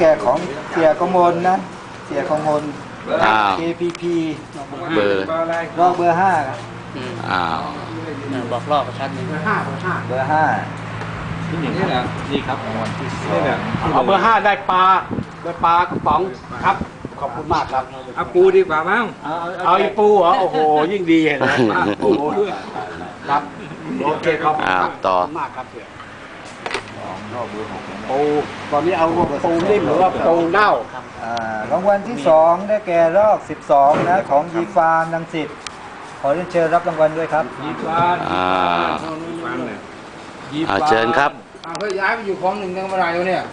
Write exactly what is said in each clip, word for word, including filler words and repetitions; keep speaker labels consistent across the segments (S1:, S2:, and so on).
S1: ก่ของเสียกมลนะเสียกมล
S2: อ้าว
S1: เค พี พี
S2: เบอร์
S1: รอบเบอร์ห้าครับ
S2: อ้าว
S3: บอกรอบประชันหนึ่ง
S1: เบอร์ห้าเบอร์ห้า
S4: นี่แหละนี่ครับรางวัลที่สอง
S3: เอาเบอร์ห้าได้ปลาได้ปลากระป๋องครับขอบคุณมากครับ
S4: เอาปูดีกว่ามั้ง
S3: เอาอีปูเหรอโอ้โหยิ่งดีเห็นไหมปูครับโอเคครับ
S2: อ้าวต่อ
S3: ขอบคุณมากครับเสียปูตอนนี้เอาปูนิ่มหรือว่าปูเน่า
S1: อ่ารางวัลที่สองได้แก่รอบสิบสองนะของยีฟานรังสิตขอเรียนเชิญรับรางวัลด้วยครับ
S4: ยีฟาน
S2: อ่า
S4: ฟานเนี่ย
S2: อ่าเชิญครับ
S5: อ้าวเฮ้ยย้ายไปอยู่คลองหนึ่งยังไม่ได้เลยเนี่ย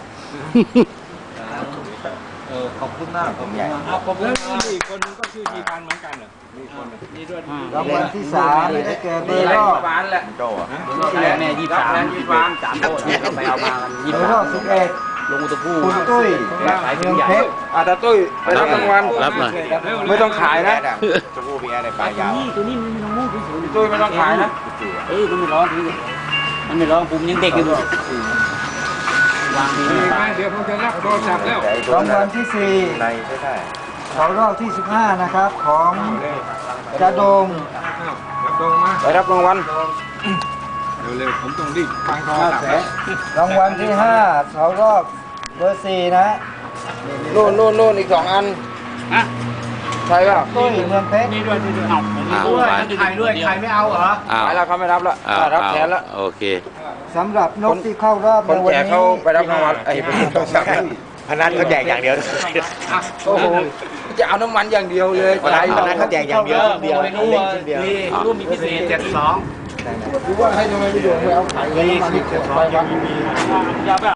S1: เออขอบคุณมากผมใหญ่
S4: เอาผมแล้วนี่อีกคนนึงก็ชื่อยีฟานเหมือนกันเหรอมีคนหนึ่งนี่ด้วย
S1: รางวัลที่สามได้แก่เบอร์รอบ
S5: ฟานแหละ
S3: แม่ยี่สามยี่สามสามโต๊ะเนี่ยเราไปเอามากัน
S1: เบ
S3: ยี่
S1: อ
S3: สา
S1: ร์รอ
S3: ม
S1: บสิบเอ็ด
S3: ลงอุตพู
S1: คุณตุ้ยเมืองเพชร
S5: อาตาตุ้ยไปรับรางวัล
S2: รับหน่อย
S5: ไม่ต้องขายนะ
S4: จะพูดมีอะไรปลายาว
S3: นี่ตัวนี้มันไม่ต้องมูดที่สุด
S5: ตุ้ยไม่ต้องขายนะ
S3: เออมันไม่ร้องทีมันไม่ร้องปุ่มยังเด็กอยู่วางดี
S4: มีไหมเดี๋ยวผมจะรับโทรศัพท์แล้ว
S1: รางวัลที่สี่
S4: ในใช่ได้
S1: เขารอบที่สิบห้านะครับของจะดง
S4: รับตรงมา
S5: ไปรับรางวัล
S4: เร็วๆผมต้องรีบฟังโทรศัพท์แล้ว
S1: รางวัลที่ห้าเขารอบเบอร์สี่นะ
S5: นู่นนู่นนู่นอีกสองอัน
S3: ฮะ
S5: ใช่ป่ะ
S1: ตุ้ยเมืองเพชร
S3: นี่ด้วยนี่ด้วยเอาผมมีด้วยใครด้วยใครไม่เอาเหรอ
S2: อ้าว
S5: ขายแล้วเขาไม่รับละ
S2: อ้าว
S5: รับแทนละ
S2: โอเค
S1: สำหรับนกที่เข้ารอบ
S5: ค
S1: ใน
S5: น
S1: วัน
S5: แจก
S1: นี้
S5: เขาไปรับรางวัลไอ้เป็นโทรศัพท์
S4: พนันเขาแจกอย่างเดียว
S5: โอ้โหจะเอาน้ำมันอย่างเดียวเลย
S4: พนันพนันเขาแจกอย่างเดียวเดียว
S3: รู้ว่านี่รูปมีพิเศษเจ็ดสอง
S5: หรือว่าให้ทำไมไม่โยนไปเอาไข่
S3: มีสิบเจ็ดสองยังมีอย่าไป